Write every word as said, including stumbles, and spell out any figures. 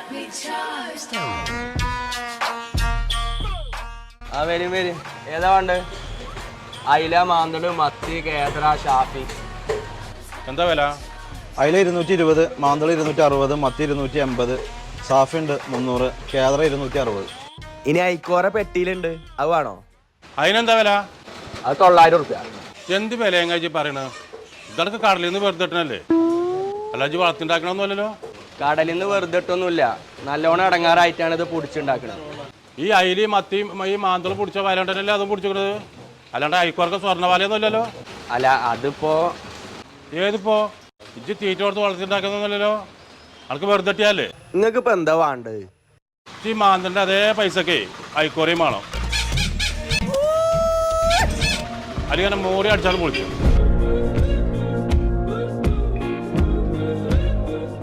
ആ വരും വരും ഏതാ വേണ്ട അയില മാന്തട് മത്തി കേദ്ര ഷാഫി എന്താ വില? അയില ഇരുന്നൂറ്റി ഇരുപത്, മാന്തള ഇരുന്നൂറ്റി അറുപത്, മത്തി ഇരുന്നൂറ്റി എൺപത്, സാഫി ഉണ്ട് മുന്നൂറ്, കേദ്ര ഇരുന്നൂറ്റി അറുപത്. ഇനി ഐക്കോറ പെട്ടിയിലുണ്ട് അത് വേണോ? അതിനെന്താ വില? അത് തൊള്ളായിരം ഉറുപ്പ്യ. എന്ത് വില എങ്ങാച്ചി പറയണത്? ഇതൊക്കെ കടലിൽ നിന്ന് വെറുതെ ഇട്ടണല്ലേ, അല്ലാജി വളർത്തിണ്ടാക്കണമെന്നല്ലോ. കടലിൽ നിന്ന് വെറുതെ ഇട്ടൊന്നുമില്ല, നല്ലോണം ഇടങ്ങാറായിട്ടാണ് ഇത് പൊടിച്ചുണ്ടാക്കുന്നത്. ഈ അയിലി മത്തിയും ഈ മാന്തളം പിടിച്ച വല ഉണ്ടല്ലേ അതും പിടിച്ചിക്കണത്, അല്ലാണ്ട് അയക്കോർക്ക് സ്വർണ്ണ ഇല്ലല്ലോ. അല്ല അതിപ്പോ ഏതിപ്പോ ഇജ്ജ് തീറ്റ കൊടുത്ത് വളർത്തിണ്ടാക്കുന്നല്ലോ, അനക്ക് വെറുതെ ഇട്ടിയല്ലേ. നിങ്ങൾക്ക് ഇപ്പൊ എന്താ വേണ്ടത്? ഈ മാന്തലിന്റെ അതേ പൈസക്കേ അയക്കോറയും വേണം, അല്ലെങ്കിൽ മൂറി അടിച്ചാലും പൊളിക്കും.